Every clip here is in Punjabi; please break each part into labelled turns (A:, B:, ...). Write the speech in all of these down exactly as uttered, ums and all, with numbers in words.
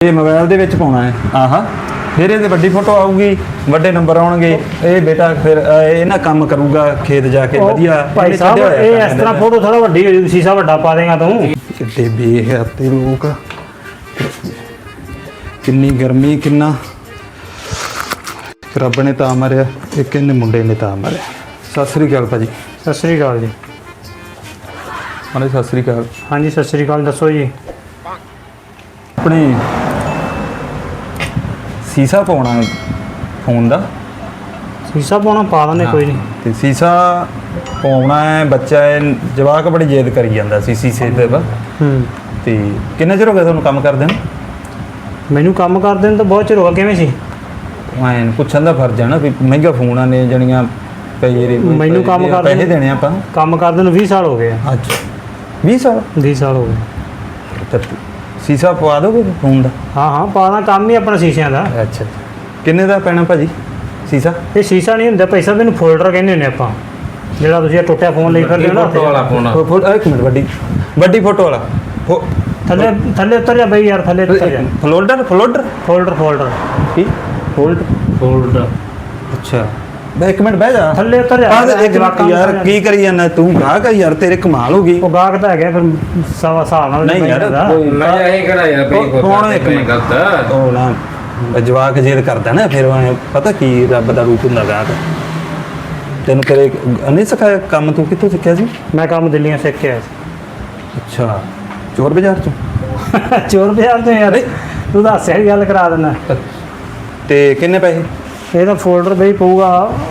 A: ਇਹ ਮੋਬਾਈਲ ਦੇ ਵਿੱਚ ਪਾਉਣਾ ਹੈ। ਆਹਾ ਫਿਰ ਇਹਦੇ ਵੱਡੀ ਫੋਟੋ ਆਊਗੀ, ਵੱਡੇ ਨੰਬਰ ਆਉਣਗੇ। ਇਹ ਬੇਟਾ ਫਿਰ ਇਹ ਨਾ ਕੰਮ ਕਰੂਗਾ ਖੇਤ ਜਾ ਕੇ ਵਧੀਆ।
B: ਭਾਈ ਸਾਹਿਬ ਇਹ ਇਸ ਤਰ੍ਹਾਂ ਫੋਟੋ ਥੋੜਾ ਵੱਡੀ ਹੋ ਜੂ, ਸ਼ੀਸ਼ਾ ਵੱਡਾ ਪਾ ਦੇਗਾ ਤੂੰ।
A: ਕਿੱਡੇ ਬੇਹੱਤੇ ਲੋਕ, ਕਿੰਨੀ ਗਰਮੀ, ਕਿੰਨਾ ਰੱਬ ਨੇ ਤਾਂ ਮਾਰਿਆ, ਇੱਕ ਇਹਨੇ ਮੁੰਡੇ ਨੇ ਤਾਂ ਮਾਰਿਆ। ਸਤਿ ਸ੍ਰੀ ਅਕਾਲ ਭਾਜੀ।
B: ਸਤਿ ਸ੍ਰੀ ਅਕਾਲ ਜੀ।
A: ਹਾਂਜੀ ਸਤਿ ਸ੍ਰੀ ਅਕਾਲ।
B: ਹਾਂਜੀ ਸਤਿ ਸ੍ਰੀ ਅਕਾਲ, ਦੱਸੋ ਜੀ।
A: ਆਪਣੇ ਸੀਸਾ ਪਾਉਣਾ ਹੈ ਫੋਨ ਦਾ।
B: ਸ਼ੀਸ਼ਾ ਪਾਉਣਾ ਪਾ ਦਿੰਦੇ, ਕੋਈ ਨਹੀਂ।
A: ਤੇ ਸੀਸਾ ਪਾਉਣਾ ਹੈ, ਬੱਚਾ ਹੈ ਜਵਾਕ ਬੜੀ ਜਿੱਦ ਕਰੀ ਜਾਂਦਾ ਸੀ ਸੀਸੇ ਤੇ।
B: ਹੂੰ
A: ਤੇ ਕਿੰਨਾ ਚਿਰ ਹੋ ਗਿਆ ਤੁਹਾਨੂੰ ਕੰਮ ਕਰਦੇ ਨੂੰ?
B: ਮੈਨੂੰ ਕੰਮ ਕਰਦੇ ਨੂੰ ਤਾਂ ਬਹੁਤ ਚਿਰ ਹੋ ਗਿਆ। ਕਿਵੇਂ ਸੀ?
A: ਮੈਂ ਪੁੱਛਣ ਦਾ ਫਰਜ਼ ਹੈ ਨਾ ਵੀ ਮਹਿੰਗਾ ਫੋਨਾਂ ਨੇ ਜਣੀਆਂ ਪਈ
B: ਮੈਨੂੰ ਕੰਮ ਕਰਦੇ
A: ਪੈਸੇ ਦੇਣੇ ਆਪਾਂ।
B: ਕੰਮ ਕਰਦੇ ਨੂੰ ਵੀਹ ਸਾਲ ਹੋ ਗਏ ਆ।
A: ਅੱਛਾ ਵੀਹ ਸਾਲ
B: ਵੀਹ ਸਾਲ ਹੋ ਗਏ।
A: ਤੇ ਸੀਸਾ ਪਵਾ ਦੋਗੇ ਫੋਨ ਦਾ?
B: ਹਾਂ ਹਾਂ ਪਾਣਾ, ਕੰਮ ਹੀ ਆਪਣਾ ਸ਼ੀਸ਼ਿਆਂ ਦਾ।
A: ਅੱਛਾ ਕਿੰਨੇ ਦਾ ਪੈਣਾ ਭਾਜੀ ਸੀਸਾ?
B: ਇਹ ਸ਼ੀਸ਼ਾ ਨਹੀਂ ਹੁੰਦਾ ਪੈਸਾ, ਮੈਨੂੰ ਫੋਲਡਰ ਕਹਿੰਦੇ ਹੁੰਦੇ ਆਪਾਂ, ਜਿਹੜਾ ਤੁਸੀਂ ਇਹ ਟੁੱਟਿਆ ਫੋਨ ਲਈ ਫਿਰਦੇ ਹੋ ਨਾ।
C: ਫੋਟੋ ਵਾਲਾ ਫੋਨ।
A: ਫੋਟੋ ਇੱਕ ਮਿੰਟ, ਵੱਡੀ ਵੱਡੀ ਫੋਟੋ ਵਾਲਾ ਫੋ-
B: ਥੱਲੇ ਥੱਲੇ ਉਤਰ ਜਾ ਬਈ ਯਾਰ, ਥੱਲੇ ਉਤਰ ਜਾ।
A: ਫਲੋਡਰ ਫਲੋਡਰ
B: ਫੋਲਡਰ ਫੋਲਡਰ
A: ਕੀ ਫੋਲਡ
C: ਫੋਲਡ।
A: ਅੱਛਾ ਬਈ ਇੱਕ ਮਿੰਟ ਬਹਿ ਜਾ।
B: ਥੱਲੇ ਉਤਰ ਜਾ।
A: ਆ ਇੱਕ ਮਿੰਟ ਯਾਰ, ਕੀ ਕਰੀ ਜਾਂਦਾ ਤੂੰ? ਗਾਹਕ ਆ ਯਾਰ, ਤੇਰੇ ਕਮਾਲ ਹੋ ਗਈ।
B: ਉਹ ਗਾਹਕ ਤਾਂ ਹੈਗਾ, ਫਿਰ ਸਵਾ ਹਿਸਾਬ ਨਾਲ
A: ਨਹੀਂ ਯਾਰ ਕੋਈ
C: ਮੈਂ ਇਹ ਕਿਹੜਾ ਯਾਰ ਬਈ
A: ਕੌਣ ਇੱਕ ਮਿੰਟ
C: ਗਲਤ।
A: ਉਹ ਨਾ ਜਵਾਕ ਜਿੱਦ ਕਰਦਾ ਨਾ, ਫਿਰ ਉਹ ਪਤਾ ਕੀ ਰੱਬ ਦਾ ਰੂਪ ਹੁੰਦਾ ਗਾਹਕ। ਤੈਨੂੰ ਕਰੇ ਨਹੀਂ ਸਿਖਾਇਆ ਕੰਮ? ਤੂੰ ਕਿੱਥੋਂ ਸਿੱਖਿਆ ਸੀ?
B: ਮੈਂ ਕੰਮ ਦਿੱਲੀੋਂ ਸਿੱਖ ਕੇ ਆਇਆ ਸੀ।
A: ਅੱਛਾ ਚੋਰ ਬਾਜ਼ਾਰ ਚੋਂ?
B: ਚੋਰ ਬਾਜ਼ਾਰ ਤੋਂ ਯਾਰ, ਤੂੰ ਦੱਸ ਸਹੀ ਗੱਲ ਕਰਾ ਦਿੰਦਾ।
A: ਤੇ ਕਿੰਨੇ ਪੈਸੇ?
B: ਇਹਦਾ ਫੋਲਡਰ ਬਈ ਪਊਗਾ,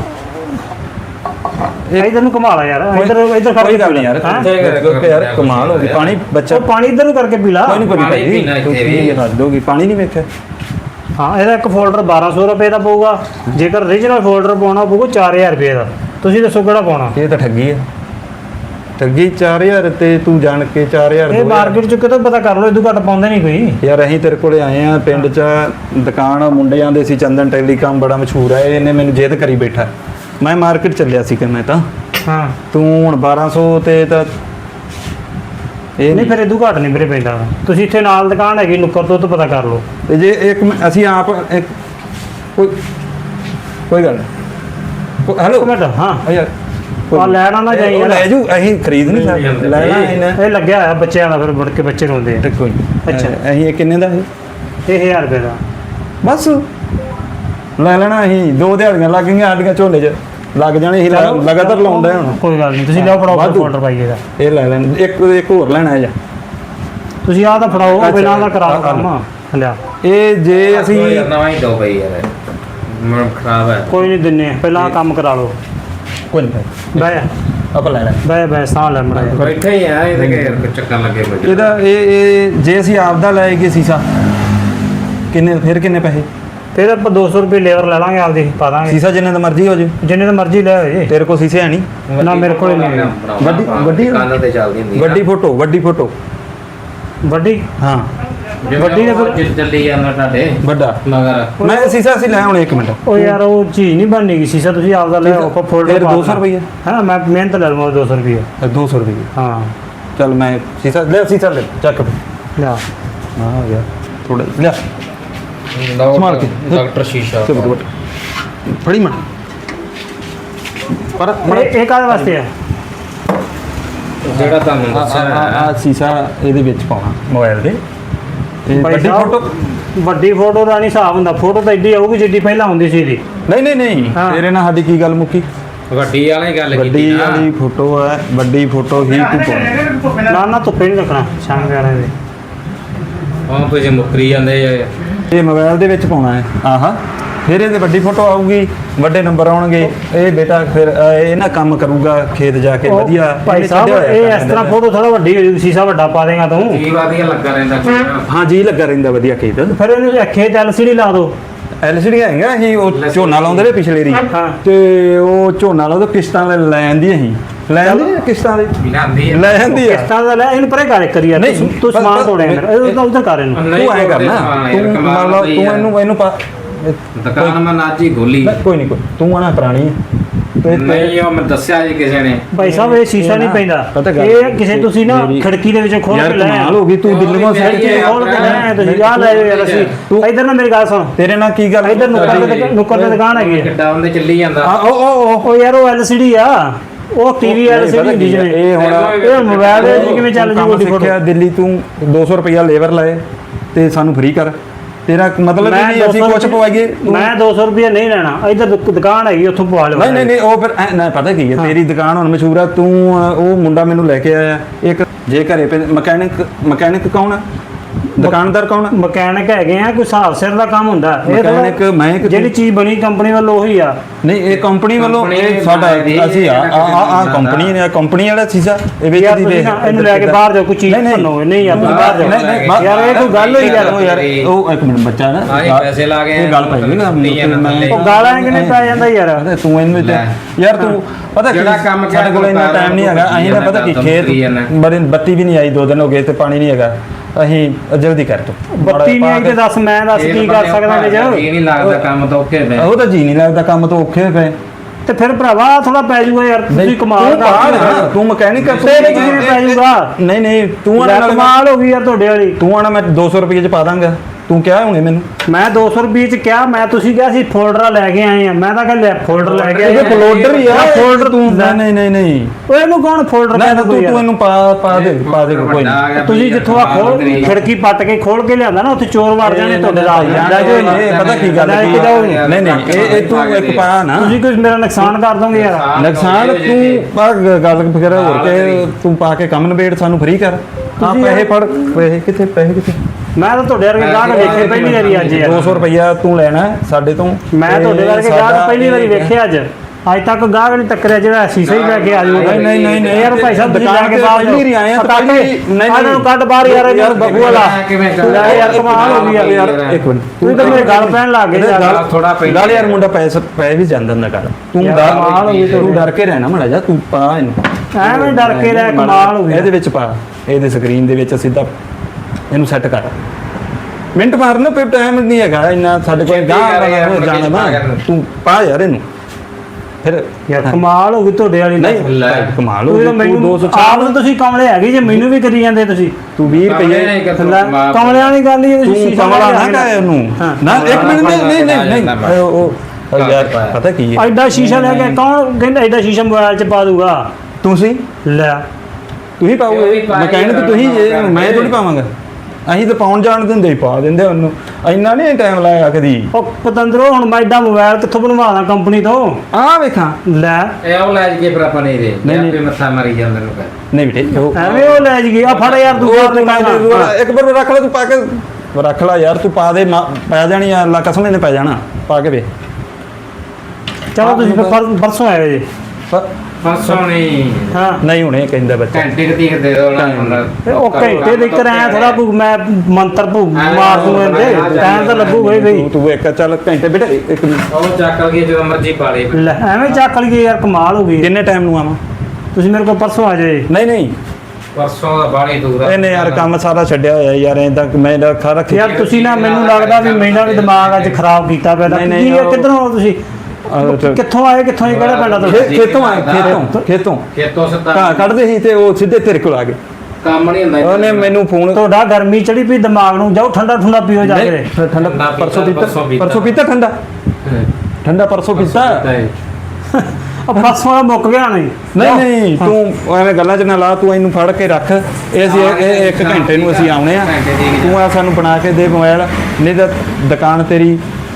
B: ਇਧਰ ਨੂੰ ਘੁਮਾ ਲਾ ਯਾਰ, ਇਧਰ ਇਧਰ
A: ਕੋਈ
B: ਕਰਕੇ
A: ਗੱਲ ਨਹੀਂ ਯਾਰ, ਯਾਰ ਕਮਾਲ ਹੋ ਗਈ। ਪਾਣੀ ਬੱਚਾ
B: ਉਹ ਪਾਣੀ ਇਧਰ ਨੂੰ ਕਰਕੇ ਪੀ ਲਾ।
A: ਕੋਈ ਨਹੀਂ ਕੋਈ ਭਾਈ, ਤੂੰ ਕੀ ਹੱਦ ਹੋ ਗਈ? ਪਾਣੀ ਨਹੀਂ ਵੇਖਿਆ?
B: ਹਾਂ ਇਹਦਾ ਇੱਕ ਫੋਲਡਰ ਬਾਰਾਂ ਸੌ ਰੁਪਏ ਦਾ ਪਊਗਾ। ਜੇਕਰ ਓਰੀਜਨਲ ਫੋਲਡਰ ਪਾਉਣਾ ਪਊਗਾ ਚਾਰ ਹਜ਼ਾਰ ਰੁਪਏ ਦਾ। ਤੁਸੀਂ ਦੱਸੋ ਕਿਹੜਾ ਪਾਉਣਾ?
A: ਇਹ ਤਾਂ ਠੱਗੀ ਹੈ। ਠੱਗੀ ਚਾਰ ਹਜ਼ਾਰ ਤੇ ਤੂੰ ਜਾਣ ਕੇ ਚਾਰ ਹਜ਼ਾਰ
B: ਇਹ ਮਾਰਕੀਟ ਚ ਕਿਤੋਂ ਪਤਾ ਕਰ ਲਓ, ਇਦੋਂ ਘੱਟ ਪਾਉਂਦੇ ਨਹੀਂ ਕੋਈ
A: ਯਾਰ। ਅਸੀਂ ਤੇਰੇ ਕੋਲੇ ਆਏ ਆ, ਪਿੰਡ 'ਚ ਦੁਕਾਨ ਮੁੰਡੇ ਆਂਦੇ ਸੀ ਚੰਦਨ ਟੈਲੀਕਾਮ ਬੜਾ ਮਸ਼ਹੂਰ ਹੈ, ਇਹਨੇ ਮੈਨੂੰ ਜਿੱਦ ਕਰੀ ਬੈਠਾ। ਮੈਂ ਮਾਰਕੀਟ ਚੱਲਿਆ ਸੀ ਕਿ ਮੈਂ ਤਾਂ।
B: ਹਾਂ
A: ਤੂੰ ਹੁਣ ਬਾਰਾਂ ਸੌ ਤੇ ਤਾਂ ਇਹ
B: ਨਹੀਂ, ਫਿਰ ਇਦੋਂ ਘੱਟ ਨਹੀਂ ਵੀਰੇ ਪੈਂਦਾ। ਤੁਸੀਂ ਇੱਥੇ ਨਾਲ ਦੁਕਾਨ ਹੈਗੀ ਨੁੱਕਰ ਤੋਂ, ਤੋਂ ਪਤਾ ਕਰ ਲਓ।
A: ਤੇ ਜੇ ਇੱਕ ਮਿੰਟ ਅਸੀਂ ਆਪ ਇੱਕ ਕੋਈ ਕੋਈ ਗੱਲ ਨਹੀਂ। ਹੈਲੋ
B: ਇੱਕ ਮਿੰਟ। ਹਾਂ
A: ਯਾਰ
B: ਆ ਲੈਣਾ ਨਾ ਜਾਈ
A: ਉਹ
B: ਯਾਰ।
A: ਲੈ ਜੂ, ਅਸੀਂ ਖਰੀਦ ਨਹੀਂ ਸਕਦੇ, ਲੈਣਾ ਇਹਨੇ।
B: ਇਹ ਲੱਗਿਆ ਹੋਇਆ ਬੱਚਿਆਂ ਦਾ, ਫਿਰ ਮੁੜ ਕੇ ਬੱਚੇ ਰੋਂਦੇ ਆ।
A: ਤੇ ਕੋਈ ਨਹੀਂ।
B: ਅੱਛਾ।
A: ਅਸੀਂ ਇਹ ਕਿੰਨੇ ਦਾ ਹੈ?
B: ਇਹ ਹਜ਼ਾਰ ਰੁਪਏ ਦਾ
A: ਬਸ ਲੈ ਲੈਣਾ। ਅਸੀਂ ਦੋ ਦਿਹਾੜੀਆਂ ਲੱਗ ਗਈਆਂ ਸਾਡੀਆਂ ਝੋਲੇ 'ਚ, ਲੱਗ ਜਾਣੇ। ਅਸੀਂ ਲਗਾਤਾਰ ਲਾਉਂਦੇ ਹੁਣ।
B: ਕੋਈ ਗੱਲ ਨਹੀਂ, ਤੁਸੀਂ ਲਿਆਓ ਫੜਾਓ
A: ਵਾਧੂ।
B: ਫੋਲਡਰ ਪਾਈਏ ਦਾ।
A: ਇਹ ਲੈ ਲੈਣ। ਇੱਕ ਇੱਕ ਹੋਰ ਲੈਣਾ ਹੈ ਜਾਂ
B: ਤੁਸੀਂ ਆਹ ਤਾਂ ਫੜਾਓ,
A: ਅੱਛਾ,
B: ਬਿਨਾਂ ਦਾ ਕਰਾ
A: ਆਹ ਕਰ
B: ਕੰਮ ਲਿਆ।
A: ਇਹ ਜੇ ਅਸੀਂ
C: ਨਵਾਂ ਹੀ ਦੋ ਬਈ ਯਾਰ, ਮਨ ਖਰਾਬ ਹੈ।
B: ਕੋਈ ਨਹੀਂ ਦਿੰਨੇ ਆ, ਪਹਿਲਾਂ ਆਹ ਕੰਮ ਕਰਾ ਲਓ।
A: ਕੋਈ ਨਹੀਂ
B: ਬਹਿ ਜਾ
A: ਆਪਾਂ ਲੈ ਲੈਣਾ।
B: ਬਹਿ ਬਹਿ ਸਾਹ ਲੈ ਮੜਾ।
C: ਬੈਠੇ ਹੀ ਆ, ਇਹਦੇ ਕੇ ਚੱਕਰ ਲੱਗੇ ਪਏ।
A: ਇਹਦਾ ਇਹ ਇਹ ਜੇ ਅਸੀਂ ਆਪਦਾ ਲਾਏਗੇ ਸੀਸਾ ਕਿੰਨੇ, ਫਿਰ ਕਿੰਨੇ ਪੈਸੇ?
B: ਫਿਰ ਆਪਾਂ ਦੋ ਸੌ ਰੁਪਏ ਲੇਬਰ ਲੈ ਲਾਂਗੇ, ਆਪਦੀ ਪਾ ਦਾਂਗੇ।
A: ਸੀਸਾ ਜਿੰਨੇ ਦਾ ਮਰਜ਼ੀ ਹੋ ਜੇ,
B: ਜਿੰਨੇ ਦਾ ਮਰਜ਼ੀ ਲੈ ਹੋਏ।
A: ਤੇਰੇ ਕੋਲ ਸੀਸੇ ਹੈ ਨਹੀਂ?
B: ਨਾ ਮੇਰੇ ਕੋਲ ਨਹੀਂ।
A: ਵੱਡੀ ਵੱਡੀ
C: ਕੰਨ ਤੇ ਚੱਲਦੀ ਹੁੰਦੀ
A: ਵੱਡੀ ਫੋਟੋ, ਵੱਡੀ ਫੋਟੋ।
B: ਵੱਡੀ
A: ਹਾਂ
C: ਵੱਡੀ ਨੇ ਫਿਰ ਚੱਲੀ ਜਾਂਦਾ ਤੁਹਾਡੇ
A: ਵੱਡਾ
C: ਮਗਰ।
A: ਮੈਂ ਸੀਸਾ ਅਸੀਂ ਲੈ ਆਉਣੇ। ਇੱਕ ਮਿੰਟ।
B: ਉਹ ਯਾਰ ਉਹ ਚੀਜ਼ ਨਹੀਂ ਬਣਨੀਗੀ ਸ਼ੀਸ਼ਾ, ਤੁਸੀਂ ਆਪਦਾ ਲੈ ਆਓ। ਆਪਾਂ ਫੋਲਡਰ
A: ਫਿਰ ਦੋ ਸੌ ਰੁਪਏ?
B: ਹਾਂ ਮੈਂ ਮਿਹਨਤ ਲੈ ਲਵਾਂ ਦੋ ਸੌ ਰੁਪਏ।
A: ਦੋ ਸੌ ਰੁਪਏ?
B: ਹਾਂ
A: ਚੱਲ ਮੈਂ ਸੀਸਾ ਲੈ, ਸੀਸਾ ਲੈ ਚੱਕ।
B: ਲਿਆ
A: ਹਾਂ ਯਾਰ ਥੋੜਾ ਲਿਆ ਸੰਭਾਲ ਕੇ।
C: ਡਾਕਟਰ ਸ਼ੀਸ਼ਾ
A: ਤੇ ਬਟ ਫੜੀ ਮਣ ਪਰ
B: ਇਹ ਇਹ ਕਾਹਦੇ ਵਾਸਤੇ ਹੈ?
C: ਜਿਹੜਾ ਤੁਹਾਨੂੰ ਦੱਸਿਆ
A: ਆ ਸੀਸਾ ਇਹਦੇ ਵਿੱਚ ਪਾਉਣਾ ਮੋਬਾਈਲ ਦੇ। ਇਹ
B: ਭਾਈ
A: ਵੱਡੀ
B: ਸਾਹਿਬ,
A: ਫੋਟੋ?
B: ਵੱਡੀ ਫੋਟੋ ਦਾ ਨਹੀਂ ਹਿਸਾਬ ਹੁੰਦਾ। ਫੋਟੋ ਤਾਂ ਇੱਡੀ ਆਊਗੀ ਜਿੱਡੀ ਪਹਿਲਾਂ ਹੁੰਦੀ ਸੀ ਇਹਦੀ।
A: ਨਹੀਂ ਨਹੀਂ ਨਹੀਂ,
B: ਹਾਂ।
A: ਤੇਰੇ ਨਾਲ ਸਾਡੀ ਕੀ ਗੱਲ ਮੁੱਕੀ?
C: ਵੱਡੀ ਵਾਲੀ ਗੱਲ
A: ਵੱਡੀ
C: ਕੀਤੀ ਨਾ।
A: ਵਾਲੀ ਫੋਟੋ ਹੈ, ਵੱਡੀ ਫੋਟੋ ਹੀ ਤੂੰ ਪਾਉਣੀ।
B: ਨਾ ਨਾ ਧੁੱਪੇ ਨਹੀਂ ਰੱਖਣਾ, ਛਾਂ ਵਗੈਰਾ ਦੇ।
C: ਉਹ ਕੋਈ ਮੁੱਕਰੀ ਜਾਂਦੇ ਆ।
A: ਇਹ ਮੋਬਾਈਲ ਦੇ ਵਿੱਚ ਪਾਉਣਾ ਹੈ। ਆਹਾ ਫਿਰ ਇਹਦੇ ਵੱਡੀ ਫੋਟੋ ਆਊਗੀ, ਵੱਡੇ ਨੰਬਰ ਆਉਣਗੇ। ਇਹ ਬੇਟਾ ਫਿਰ ਇਹ ਨਾ ਕੰਮ ਕਰੂਗਾ ਖੇਤ ਜਾ ਕੇ
B: ਉਹ
A: ਵਧੀਆ।
B: ਭਾਈ ਸਾਹਿਬ ਇਹ ਇਸ ਤਰ੍ਹਾਂ ਫੋਟੋ ਥੋੜਾ ਵੱਡੀ ਹੋ ਜੂ, ਸ਼ੀਸ਼ਾ ਵੱਡਾ ਪਾ ਦੇਗਾ ਤੂੰ।
C: ਕੀ ਵਧੀਆ ਲੱਗਾ ਰਹਿੰਦਾ।
A: ਹਾਂ ਜੀ ਲੱਗਾ ਰਹਿੰਦਾ ਵਧੀਆ ਖੇਤ।
B: ਫਿਰ ਇਹਨੂੰ ਖੇਤ ਐਲ ਸੀ ਡੀ ਲਾ ਦਿਓ।
A: ਐਲ ਸੀ ਡੀ ਹੈਗਾ। ਅਸੀਂ ਉਹ ਝੋਨਾ ਲਾਉਂਦੇ ਨੇ ਪਿਛਲੇ ਰੀ,
B: ਹਾਂ।
A: ਤੇ ਉਹ ਝੋਨਾ ਲਾਉਂਦੇ ਕਿਸ਼ਤਾਂ ਲੈ ਲੈ ਜਾਂਦੀ। ਅਸੀਂ ਲੈ ਜਾਂਦੇ ਕਿਸ਼ਤਾਂ ਦੇ
C: ਬਿਨਾਂਦੀ
A: ਲੈ ਜਾਂਦੀ ਆ।
B: ਕਿਸ਼ਤਾਂ ਦਾ ਲੈ, ਇਹਨੂੰ ਪਰੇ ਕਰ ਕਰੀ ਯਾਰ।
A: ਨਹੀਂ,
B: ਤੂੰ ਤੂੰ
A: ਬਸ-
B: ਸਮਾਨ
A: ਬਸ-
B: ਤੋੜਿਆ ਮੇਰਾ, ਇਹ ਉਧਰ ਕਰ ਇਹਨੂੰ।
A: ਤੂੰ ਐਂ ਕਰਨਾ, ਤੂੰ ਮੰਨ ਲਾ ਤੂੰ ਇਹਨੂੰ ਇਹਨੂੰ ਪਾ
C: ਦੁਕਾਨ ਮੈਂ ਨਾਜੀ ਗੋਲੀ।
A: ਕੋਈ ਨਹੀਂ ਕੋਈ ਤੂੰ ਆਣਾ ਪੁਰਾਣੀ ਹੈ। ਤੇ-
C: ਨਹੀਂ ਉਹ ਮੈਂ ਦੱਸਿਆ ਜੀ ਕਿਸੇ ਨੇ
B: ਭਾਈ ਸਾਹਿਬ ਇਹ ਸ਼ੀਸ਼ਾ ਨਹੀਂ ਪੈਂਦਾ
A: ਪਤਾ ਗੱਲ
B: ਇਹ ਕਿਸੇ ਤੁਸੀਂ ਨਾ
A: ਮੇਰੀ-
B: ਖਿੜਕੀ ਦੇ ਵਿੱਚੋਂ ਖੋਲ
A: ਯਾਰ
B: ਕੇ ਲੈ
A: ਕਮਾਲ ਹੋ ਗਈ ਤੂੰ ਦਿੱਲੀੋਂ ਸੈੱਟ
C: ਮੇਰੀ-
A: ਕੇ
B: ਖੋਲ ਕੇ ਲੈ ਆਏ ਤੁਸੀਂ ਆਹ ਲੈ ਜਾਓ ਯਾਰ ਅਸੀਂ
A: ਤੂੰ-
B: ਇੱਧਰ ਨਾ ਮੇਰੀ ਗੱਲ ਸੁਣ
A: ਤੇਰੇ ਨਾਲ ਕੀ ਗੱਲ
B: ਇੱਧਰ ਨੁੱਕਰ ਤੇ ਦੁਕਾ- ਨੁੱਕਰ ਤੇ ਦੁਕਾਨ ਹੈਗੀ ਹੈ
C: ਕਿੱਡਾ ਉਹਦੇ ਚੱਲੀ ਜਾਂਦਾ
A: ਆ ਉਹ ਉਹ ਉਹ
B: ਉਹ ਯਾਰ ਉਹ ਐਲ ਸੀ ਡੀ ਆ ਉਹ ਟੀਵੀ ਐਲ ਸੀ ਡੀ ਹੁੰਦੀ ਜਿਵੇਂ
A: ਇਹ ਹੁਣ
B: ਇਹ ਮੋਬਾਈਲ ਦੇ ਵਿੱਚ ਕਿਵੇਂ ਚੱਲ
A: ਕੰਮ
B: ਜੂਗੀ
A: ਸਿੱਖਿਆ ਦਿੱਲੀ ਤੂੰ ਦੋ ਸੌ ਰੁਪਇਆ ਲੇਬਰ ਲਾਏ ਤੇ ਸਾਨੂੰ ਫ੍ਰੀ ਕਰ ਤੇਰਾ ਮਤਲਬ ਇਹ ਨਹੀਂ ਅਸੀਂ ਕੁਝ ਪਵਾਈਏ ਤੂੰ-
B: ਮੈਂ ਦੋ ਸੌ ਰੁਪਏ ਨਹੀਂ ਲੈਣਾ ਇੱਧਰ ਦੁਕ- ਦੁਕਾਨ ਹੈਗੀ ਉੱਥੋਂ ਪਵਾ ਲਓ
A: ਨਹੀਂ ਨਹੀਂ ਨਹੀਂ ਉਹ ਫਿਰ ਐਂ- ਨਾ ਪਤਾ ਕੀ ਹੈ ਤੇਰੀ ਦੁਕਾਨ ਹੁਣ ਮਸ਼ਹੂਰ ਆ ਤੂੰ ਅ, ਉਹ ਮੁੰਡਾ ਮੈਨੂੰ ਲੈ ਕੇ ਆਇਆ ਇੱਕ ਜੇ ਘਰੇ ਮਕੈਨਿਕ ਮਕੈਨਿਕ ਕੌਣ ਆ ਦੁਕਾਨਦਾਰ ਕੌਣ ਆ
B: ਮਕੈਨਿਕ ਹੈਗੇ ਆ ਕੋਈ ਹਿਸਾਬ ਸਿਰ ਦਾ ਕੰਮ ਹੁੰਦਾ ਇਹ ਥੋੜ੍ਹਾ-
A: ਮਕੈਨਿਕ ਮੈਂ ਕਿ
B: ਜਿਹੜੀ ਚੀਜ਼ ਬਣੀ ਕੰਪਨੀ ਵੱਲੋਂ ਉਹੀ ਆ
A: ਨਹੀਂ ਇਹ ਕੰਪਨੀ ਵੱਲੋਂ
C: ਕੰਪਨੀ
A: ਇਹ ਸਾਡਾ
C: ਬਣਾਈ
A: ਅਸੀਂ ਆ ਆ ਆ
C: ਬਣਾਉਂਦਾ।
A: ਕੰਪਨੀ ਨੇ ਕੰਪਨੀ ਵਾਲਾ ਚੀਜ਼ਾ ਇਹ
B: ਯਾਰ
A: ਵੇਚਦੀ
B: ਤੁਸੀਂ
A: ਵੇ
B: ਨਾ ਇਹਨੂੰ ਲੈ ਕੇ ਬਾਹਰ ਜਾਓ ਕੋਈ ਚੀਜ਼
A: ਨਹੀਂ, ਨਹੀਂ।
B: ਬਣੋ ਨਹੀਂ ਯਾਰ ਤੁਸੀਂ ਬਾਹਰ
A: ਨਹੀਂ,
B: ਜਾਓ
A: ਨਹੀਂ, ਬਾ-
B: ਯਾਰ ਇਹ ਕੋਈ ਗੱਲ ਹੋਈ ਯਾਰ
A: ਉਹ ਯਾਰ ਉਹ ਇੱਕ ਮਿੰਟ ਬੱਚਾ ਨਾ
C: ਹਾਂ, ਇਹ ਪੈਸੇ ਲਾ ਕੇ
A: ਇਹ ਗੱਲ ਪਈ ਨਾ
C: ਨਹੀਂ ਇਹਨਾਂ ਥੱਲੇ।
B: ਉਹ ਗਾਲਾਂ ਕਿਨੇ ਪੈ ਜਾਂਦਾ ਯਾਰ
A: ਪਤਾ ਤੂੰ ਇਹਨੂੰ ਤੇ
C: ਲੈ।
A: ਯਾਰ ਤੂੰ ਪਤਾ ਕੀ
C: ਜਿਹੜਾ ਕੰਮ
A: ਸਾਡੇ ਕੋਲ ਇੰਨਾ ਟਾਈਮ ਨਹੀਂ ਹੈਗਾ ਅਸੀਂ ਨਾ ਪਤਾ ਕੀ ਖੇਤ ਬੜੀ ਬੱਤੀ ਵੀ ਨਹੀਂ ਆਈ ਦੋ ਦਿਨ ਹੋ ਗਏ ਤੇ ਪਾਣੀ ਨਹੀਂ ਹੈਗਾ ਅਸੀਂ ਜਲਦੀ ਕਰ ਤੂੰ
B: ਬੱਤੀ ਨਹੀਂ ਆਈ ਤੇ ਦੱਸ ਮੈਂ ਦੱਸ ਕੀ ਕਰ ਸਕਦਾ ਇਹਦੇ ਚ
C: ਇਹ ਨਹੀਂ ਲੱਗਦਾ ਕੰਮ ਤਾਂ ਔਖੇ ਪਏ
A: ਉਹ ਤਾਂ ਜੀ ਨਹੀਂ ਲੱਗਦਾ ਕੰਮ ਤੋਂ ਔਖੇ ਹੋਏ ਪਏ
B: ਤੇ ਫਿਰ ਭਰਾਵਾ ਥੋੜਾ ਪੈ ਜਾਊਗਾ ਯਾਰ ਤੁਸੀਂ ਕਮਾਲ
A: ਤੂੰ ਬਾਹਰ ਆ, ਤੂੰ ਮਕੈਨਿਕ ਕਰ
B: ਤੇਰੇ ਚ ਕਿਵੇਂ ਪੈ ਜਾਊਗਾ
A: ਨਹੀਂ ਨਹੀਂ ਤੂੰ ਆਣਾ
B: ਯਾਰ
A: ਨਾਲ
B: ਕਮਾਲ ਹੋ ਗਈ ਯਾਰ ਤੁਹਾਡੇ ਵਾਲੀ
A: ਤੂੰ ਆਣਾ ਮੈਂ ਦੋ ਸੌ ਰੁਪਏ ਚ ਪਾ ਦਾਂਗਾ ਤੂੰ ਕਿਹਾ ਹੁਣੇ ਮੈਨੂੰ
B: ਮੈਂ ਦੋ ਸੌ ਰੁਪਏ ਚ ਕਿਹਾ ਮੈਂ ਤੁਸੀਂ ਕਿਹਾ ਸੀ ਫੋਲਡਰ ਲੈ ਕੇ ਆਏ ਆ ਮੈਂ ਤਾਂ ਕਹਿੰਦਾ ਫੋਲਡਰ ਲੈ ਕੇ ਆਏ
A: ਇਹ ਫਲੋਡਰ ਹੀ ਆ
B: ਫੋਲਡਰ
A: ਤੂੰ ਨਹੀਂ ਨਹੀਂ ਨਹੀਂ
B: ਓਏ ਇਹਨੂੰ ਕੌਣ ਫੋਲਡਰ
A: ਨਹੀਂ
B: ਕਹਿੰਦਾ
A: ਤੂੰ
B: ਕੋਈ
A: ਤੂੰ
B: ਯਾਰ
A: ਇਹਨੂੰ ਪਾ ਪਾ ਦੇ ਪਾ ਦੇ ਕੋਈ ਨਹੀਂ
B: ਤੁਸੀਂ ਜਿੱਥੋਂ ਆ ਖੋਲ ਖਿੜਕੀ ਪੱਟ ਕੇ ਖੋਲ ਕੇ ਲਿਆਂਦਾ ਨਾ ਉੱਥੇ ਚੋਰ ਵੜ ਜਾਣੇ ਤੁਹਾਡੇ ਰਾਤ ਲੈ ਜਾਓ ਇਹਨੂੰ।
A: ਇਹ ਪਤਾ ਕੀ ਗੱਲ
B: ਲੈ
A: ਕੀ
B: ਕੇ ਜਾਓ
A: ਹੈ? ਨਹੀਂ ਨਹੀਂ ਇਹ ਇਹ ਤੂੰ ਇੱਕ ਪਾ ਨਾ
B: ਤੁਸੀਂ ਕੁਝ ਮੇਰਾ ਨੁਕਸਾਨ ਕਰ ਦੋਗੇ ਯਾਰ
A: ਨੁਕਸਾਨ ਤੂੰ ਪਾ ਗੱਲ ਫਿਰ ਹੋਰ ਕੇ ਤੂੰ ਪਾ ਕੇ ਕੰਮ ਨਿਬੇੜ ਸਾਨੂੰ ਫ੍ਰੀ ਕਰ ਆ
B: ਤੁਸੀਂ
A: ਪੈਸੇ ਫੜ ਪੈਸੇ ਕਿੱਥੇ ਪੈਸੇ ਕਿੱਥੇ
B: ਮੈਂ ਤਾਂ ਤੁਹਾਡੇ ਵਰਗੇ ਗਾਹਕ ਵੇਖੇ ਪਹਿਲੀ ਵਾਰੀ ਅੱਜ ਯਾਰ
A: ਦੋ ਸੌ ਰੁਪਇਆ ਤੂੰ ਲੈਣਾ ਹੈ ਸਾਡੇ ਤੋਂ
B: ਮੈਂ
A: ਤੇ
B: ਤੁਹਾਡੇ ਵਰਗੇ
A: ਸਾਡਾ
B: ਗਾਹਕ ਪਹਿਲੀ ਵਾਰੀ ਵੇਖਿਆ ਅੱਜ ਅੱਜ ਤੱਕ ਗਾਹਕ ਨਹੀਂ ਟੱਕਰਿਆ ਜਿਹੜਾ ਸ਼ੀਸ਼ਾ ਹੀ ਲੈ ਕੇ ਆ ਜਾਊਗਾ
A: ਨਹੀਂ, ਨਹੀਂ, ਨਹੀਂ, ਨਹੀਂ।
B: ਯਾਰ ਭਾਈ ਸਾਹਿਬ ਤੁਸੀਂ
A: ਦੁਕਾਨ
B: ਲੈ ਕੇ
A: ਤੇ
B: ਬਾਹਰ
A: ਪਹਿਲੀ ਵਾਰੀ ਆਏ ਆ
B: ਜਾਓ।
A: ਤਾਂ
B: ਕੱਢ
A: ਪਹਿਲੀ-
B: ਕੇ-
A: ਨਹੀਂ,
B: ਇਹਨਾਂ ਨੂੰ ਕੱਢ ਬਾਹਰ ਯਾਰ
A: ਯਾਰ
B: ਯਾਰ ਬੱਬੂ ਵਾਲਾ
C: ਕਿਵੇਂ
B: ਲੈ ਯਾਰ ਕਮਾਲ ਹੋ ਗਈ ਯਾਰ
A: ਯਾਰ ਇੱਕ ਮਿੰਟ
B: ਤੂੰ ਤਾਂ ਮੇਰੇ ਗੱਲ ਪੈਣ ਲੱਗ ਗਿਆ ਯਾਰ
A: ਗੱਲ
C: ਥੋੜਾ ਪੈਂਦਾ
A: ਗੱਲ ਯਾਰ ਮੁੰਡਾ ਪੈਸੇ ਪੈ ਵੀ ਜਾਂਦਾ ਹੁੰਦਾ ਕਰ ਤੂੰ
B: ਯਾਰ
A: ਡਰ
B: ਕਮਾਲ ਹੋ ਗਈ
A: ਤੂੰ ਡਰ ਕੇ ਰਹਿਣਾ ਮੜਾ ਜਾ ਤੂੰ ਪਾ ਇਹਨੂੰ
B: ਐਵੇਂ ਡਰ ਕੇ ਰਹਿ ਕਮਾਲ ਹੋ ਗਈ
A: ਇਹਦੇ ਵਿੱਚ ਪਾ ਇਹਦੇ ਸਕਰੀਨ ਦੇ ਵਿੱਚ ਸਿੱਧਾ ਇਹਨੂੰ ਸੈੱਟ ਕਰ ਮਿੰਟ ਮਾਰਨ ਪੇ ਟਾਈਮ ਨਹੀਂ ਹੈਗਾ ਇੰਨਾ ਸਾਡੇ ਕੋਲ
C: ਛੇਤੀ
A: ਗਾਹ
C: ਕਰ ਯਾਰ,
A: ਵਾਲਾ
C: ਮੁੜ ਕੇ
A: ਜਾਣਾ
C: ਪਾ
A: ਨਾ
C: ਕਰ।
A: ਤੂੰ ਪਾ ਯਾਰ ਇਹਨੂੰ ਫਿਰ
B: ਯਾਰ ਕਮਾਲ ਹੋ ਗਈ ਤੁਹਾਡੇ ਵਾਲੀ
A: ਨਹੀਂ
C: ਲੈ।
A: ਭਾਈ, ਕਮਾਲ ਹੋ
B: ਤੂੰ
A: ਗਈ
B: ਤਾਂ
A: ਤੂੰ
B: ਮੈਨੂੰ
A: ਦੋ ਸੌ
B: ਆਪ
A: ਚਾਰ
B: ਨੂੰ ਤੁਸੀਂ ਕਮਲੇ ਹੈਗੇ ਜੇ ਮੈਨੂੰ ਵੀ ਕਰੀ ਜਾਂਦੇ ਤੁਸੀਂ
A: ਤੂੰ ਵੀਹ ਰੁਪਏ
B: ਲੈ, ਕਮਲਿਆਂ ਵਾਲੀ ਗੱਲ ਹੀ ਹੈ, ਤੁਸੀਂ
A: ਤੂੰ
B: ਸ਼ੀਸ਼ਾ
A: ਕਮਲਾ
B: ਲੈ
A: ਨਾ
B: ਕੇ
A: ਕਹਿ ਉਹਨੂੰ
B: ਹਾਂ।
A: ਨਾ ਇੱਕ ਮਿੰਟ ਨਹੀਂ ਨਹੀਂ ਨਹੀਂ ਨਹੀਂ ਉਹ ਉਹ ਯਾਰ ਪਤਾ ਕੀ ਹੈ
B: ਐਡਾ ਸ਼ੀਸ਼ਾ ਲੈ ਕੇ ਕੌਣ ਕਹਿੰਦਾ ਐਡਾ ਸ਼ੀਸ਼ਾ ਮੋਬਾਈਲ 'ਚ ਪਾ ਦੂਗਾ
A: ਤੁਸੀਂ
B: ਲੈ
A: ਤੁਸੀਂ
C: ਇਹ
A: ਪਾਓਗੇ
C: ਵੀ ਪਾਈ
A: ਮਕੈਨਿਕ
C: ਯਾਰ,
A: ਤੁਸੀਂ ਜੇ
C: ਮਕੈਨਿਕ
A: ਮੈਂ ਥੋੜੀ ਪਾਵਾਂਗਾ ਅਸੀਂ ਤਾਂ ਪਾਉਣ ਜਾਣ ਦਿੰਦੇ ਹੀ ਪਾ ਦਿੰਦੇ ਉਹਨੂੰ ਇੰਨਾ ਨਹੀਂ ਟਾਈਮ ਲਾਇਆ ਕਦੀ
B: ਉਹ ਪਤੰਦਰੋ ਹੁਣ ਮੈਂ ਐਡਾ ਮੋਬਾਈਲ ਕਿੱਥੋਂ ਬਣਵਾਦਾ ਕੰਪਨੀ ਤੋਂ
A: ਆਹ ਵੇਖਾਂ
B: ਲੈ
C: ਇਹ ਉਹ ਲੈ ਕੇ ਫਿਰ ਆਪਾਂ ਨਹੀਂ ਦੇ
A: ਨਹੀਂ,
C: ਆਪੇ ਮੱਥਾ ਮਾਰੀ ਜਾਂਦੇ ਨੂੰ ਕਰ
A: ਨਹੀਂ ਬੇਟੇ ਉਹ
B: ਐਵੇਂ ਉਹ ਲੈ ਜੀ ਆ ਫੜ ਯਾਰ ਦੂਜਾ
A: ਉਹ ਤੂੰ ਇੱਕ ਵਾਰ ਰੱਖ ਲੈ ਤੂੰ ਪਾ ਕੇ ਰੱਖ ਲੈ ਯਾਰ ਤੂੰ ਪਾ ਦੇ ਮਾ- ਪੈ ਜਾਣੀ ਆ ਅੱਲਾ ਕਸਮ ਨੇ ਪੈ ਜਾਣਾ ਪਾ ਕੇ ਵੇ
B: ਚਲੋ ਤੁਸੀਂ ਫਿਰ ਪਰ- ਪਰਸੋਂ ਆਇਓ ਜੀ
A: ਪ-
C: ਪਰਸੋਂ ਨਹੀਂ
B: ਹਾਂ
A: ਨਹੀਂ ਹੁਣੇ ਕਹਿੰਦਾ ਬੱਚਾ
C: ਘੰਟੇ ਕੁ ਤੀਕ ਦੇ ਦੋ ਨਾ ਹੁੰਦਾ
B: ਤੇ ਉਹ ਘੰਟੇ ਦੇ ਕਰ ਆਇਆ ਥੋੜਾ ਭੂ ਮੈਂ ਮੰਤਰ ਭੂ ਮਾਰ ਦੂੰ ਇਹਦੇ ਟਾਈਮ ਤਾਂ ਲੱਗੂਗਾ ਹੀ ਬਈ
A: ਤੂੰ ਤੂੰ ਇੱਕ ਚੱਲ ਘੰਟੇ ਬੇਟੇ ਇੱਕ ਮਿੰਟ।
C: ਉਹ ਚੱਕ ਲਈਏ ਜਦੋਂ ਮਰਜ਼ੀ ਪਾ ਲਈ
B: ਲੈ ਐਵੇਂ ਚੱਕ ਲਈਏ ਯਾਰ ਕਮਾਲ ਹੋ ਗਈ
A: ਕਿੰਨੇ ਟਾਈਮ ਨੂੰ ਆਵਾਂ
B: ਤੁਸੀਂ ਮੇਰੇ ਕੋਲ ਪਰਸੋਂ ਆ ਜਾਓ ਜੀ
A: ਨਹੀਂ ਨਹੀਂ
C: ਪਰਸੋਂ ਦਾ ਬਾੜੀ ਦੂਰ ਆ।
A: ਇਹਨੇ ਯਾਰ ਕੰਮ ਸਾਰਾ ਛੱਡਿਆ ਹੋਇਆ ਯਾਰ ਐਂ ਮੈਂ ਇਹਦਾ ਖਾ ਰੱਖੀ
B: ਯਾਰ ਤੁਸੀਂ ਨਾ ਮੈਨੂੰ ਲੱਗਦਾ ਵੀ ਮੇਰਾ ਵੀ ਦਿਮਾਗ ਅੱਜ ਖਰਾਬ ਕੀਤਾ ਪਿਆ
A: ਨਹੀਂ, ਨਹੀਂ,
B: ਕੀ ਹੈ
A: ਉਹ-
B: ਕਿੱਧਰੋਂ ਹੋ ਤੁਸੀਂ
A: ਆਹ, ਚੱਲ।
B: ਕਿੱਥੋਂ ਆਏ ਕਿੱਥੋਂ ਹੀ ਕਿਹੜਾ ਪਿੰਡ ਆ ਤੁਹਾਡਾ
A: ਖੇ- ਖੇਤੋਂ ਆਏ ਖੇਤੋਂ ਖੇਤੋਂ
C: ਖੇਤੋਂ ਸਿੱਧਾ
A: ਘਾਹ ਕੱਢਦੇ ਸੀ ਤੇ ਉਹ ਸਿੱਧੇ ਤੇਰੇ ਕੋਲ ਆ ਗਏ
C: ਕੰਮ ਨਹੀਂ ਹੁੰਦਾ
A: ਉਹਨੇ ਮੈਨੂੰ ਫੋਨ
B: ਤੁਹਾਡਾ ਗਰਮੀ ਚੜੀ ਪਈ ਦਿਮਾਗ ਨੂੰ ਜਾਓ ਠੰਡਾ ਠੰਡਾ ਪੀਓ ਜਾ ਕੇ
A: ਨਹੀਂ, ਠੰਡਾ
C: ਠੰਡਾ
A: ਪਰਸੋਂ
C: ਪੀਤਾ,
A: ਪੀਤਾ
C: ਪਰਸੋਂ ਪੀਤਾ।
A: ਪਰਸੋਂ ਪੀਤਾ ਠੰਡਾ ਠੰਡਾ ਪਰਸੋਂ ਪੀਤਾ
B: ਉਹ ਪਰਸੋਂ ਵਾਲਾ ਮੁੱਕ ਗਿਆ ਨਹੀਂ
A: ਨਹੀਂ ਨਹੀਂ ਤੂੰ ਐਵੇਂ ਗੱਲਾਂ 'ਚ ਨਾ ਲਾ ਤੂੰ ਇਹਨੂੰ ਫੜ ਕੇ ਰੱਖ ਇਹ ਅਸੀਂ ਇਹ- ਇਹ ਇੱਕ ਘੰਟੇ ਨੂੰ ਅਸੀਂ ਆਉਣੇ ਆ
C: ਘੰਟੇ ਦੀ
A: ਤੂੰ ਆ ਸਾਨੂੰ ਬਣਾ ਕੇ ਦੇ ਮੋਬਾਈਲ ਨਹੀਂ ਤਾਂ ਦੁਕਾਨ ਤੇਰੀ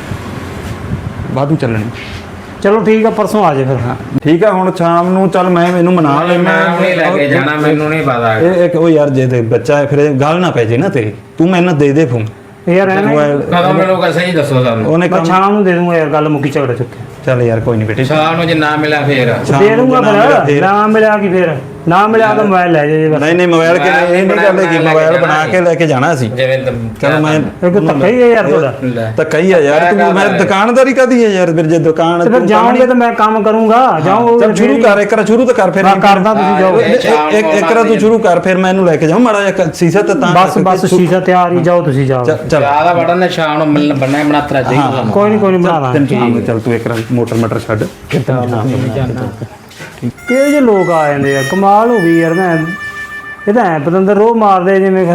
A: ਵਾਧੂ ਚੱਲਣੀ
B: ਚਲੋ ਠੀਕ ਆ ਪਰਸੋਂ ਆ ਜਾਓ ਫਿਰ
A: ਹਾਂ ਠੀਕ ਆ ਹੁਣ ਸ਼ਾਮ ਨੂੰ ਚੱਲ ਮੈਂ ਮੈਨੂੰ ਮਨਾ
C: ਮੈਂ ਨਹੀਂ ਲੈ ਕੇ ਜਾਣਾ ਮੈਨੂੰ ਨਹੀਂ ਪਤਾ
A: ਇਹ ਇੱਕ ਉਹ ਯਾਰ ਜੇ ਤੇ ਬੱਚਾ ਹੈ, ਫਿਰ ਇਹ ਗੱਲ ਨਾ ਪੈ ਜੇ ਨਾ ਤੇਰੀ ਤੂੰ ਮੈਨੂੰ ਦੇ ਦੇ ਫੋਨ
B: ਯਾਰ ਐਵੇਂ
A: ਮੋਬਾਈਲ
C: ਕਦੋਂ ਮੈਨੂੰ ਕਹ ਸਹੀ ਦੱਸੋ ਸਾਨੂੰ
A: ਉਹਨੇ
B: ਮੈਂ
A: ਕੰਮ
B: ਸ਼ਾਮ ਨੂੰ ਦੇ ਦੂੰਗਾ ਯਾਰ ਗੱਲ ਮੁੱਕੀ ਝਗੜਾ ਚੁੱਕੇ
A: ਚੱਲ ਯਾਰ ਕੋਈ ਨਹੀਂ ਬੇਟੇ
C: ਸ਼ਾਮ ਨੂੰ ਜੇ ਨਾ ਮਿਲਿਆ ਫੇਰ
A: ਸ਼ਾਮ
B: ਦੇ
A: ਨੂੰ
B: ਦੂੰਗਾ
A: ਨਾ ਮਿਲਿਆ
B: ਫਿਰ
A: ਫਿਰ।
B: ਨਾ ਮਿਲਿਆ ਕੀ ਫਿਰ ਨਾ ਮਿਲਿਆ ਤਾਂ ਮੋਬਾਈਲ ਲੈ ਜਾਓ ਜੀ ਬਸ
A: ਨਹੀਂ ਨਹੀਂ ਮੋਬਾਈਲ ਕਿ
C: ਮੋਬਾਈਲ
A: ਇਹ ਨਹੀਂ ਗੱਲ ਹੈ ਕਿ
C: ਬਣਾ
A: ਮੋਬਾਈਲ
C: ਕੇ
A: ਬਣਾ ਕੇ ਲੈ ਕੇ ਜਾਣਾ ਅਸੀਂ
C: ਜਿਵੇਂ ਤਾਂ
A: ਚਲੋ ਮੈਂ
B: ਇਹ ਕੋਈ ਧੱਕਾ ਹੀ ਹੈ ਯਾਰ ਤੁਹਾਡਾ
C: ਲੈ।
A: ਤਾਂ ਕਹੀ ਆ ਯਾਰ ਤੂੰ ਮੈਂ ਦੁਕਾਨਦਾਰੀ ਕਾਦੀ ਹੈ ਯਾਰ ਫਿਰ ਜੇ ਦੁਕਾਨ
B: ਤੇ ਫਿਰ
A: ਤੂੰ
B: ਜਾਓਗੇ ਤਾਂ ਮੈਂ ਕੰਮ ਕਰੂੰਗਾ ਜਾਓ
A: ਚੱਲ ਸ਼ੁਰੂ ਕਰ ਇੱਕ ਵਾਰ ਸ਼ੁਰੂ ਤਾਂ ਕਰ ਫਿਰ
B: ਮੈਂ ਕਰਦਾ ਤੁਸੀਂ ਜਾਓ
A: ਇੱਕ ਇੱਕ ਇੱਕ ਵਾਰ ਤੂੰ ਸ਼ੁਰੂ ਕਰ ਫਿਰ ਮੈਂ ਇਹਨੂੰ ਲੈ ਕੇ ਜਾਉਂ ਮਾੜਾ ਜਿਹਾ ਸੀਸਾ ਤਾਂ ਤਾਂ
B: ਬਸ ਬਸ ਸ਼ੀਸ਼ਾ ਤਿਆਰ ਹੀ ਜਾਓ ਤੁਸੀਂ ਜਾਓ
A: ਚੱਲ ਚੱਲ
C: ਜਿਆਦਾ ਬੜਨ ਨੇ ਸ਼ਾਮ ਨੂੰ ਮਿਲਣ ਬੰਨਾ ਬਣਾਤਰਾ ਚਾਹੀਦਾ
B: ਕੋਈ ਨਹੀਂ ਕੋਈ ਨਹੀਂ ਬਣਾ
A: ਤੈਨੂੰ ਸ਼ਾਮ ਨੂੰ ਚੱਲ ਤੂੰ ਇੱਕ ਵਾਰ ਮੋਟਰ ਮਟਰ ਛੱਡ ਫਿਰ ਤੈਨੂੰ ਸ਼ਾਮ ਨੂੰ ਬਣਾ ਕੇ ਦਿੰਦਾ।
B: ਕਿਹੋ ਜਿਹੇ ਲੋਕ ਆ ਜਾਂਦੇ ਆ ਕਮਾਲ ਹੋ ਗਈ ਯਾਰ ਮੈਂ ਇਹ ਤਾਂ ਐ ਪਤੰਦਰ ਰੋਹ ਮਾਰਦੇ ਜਿਵੇਂ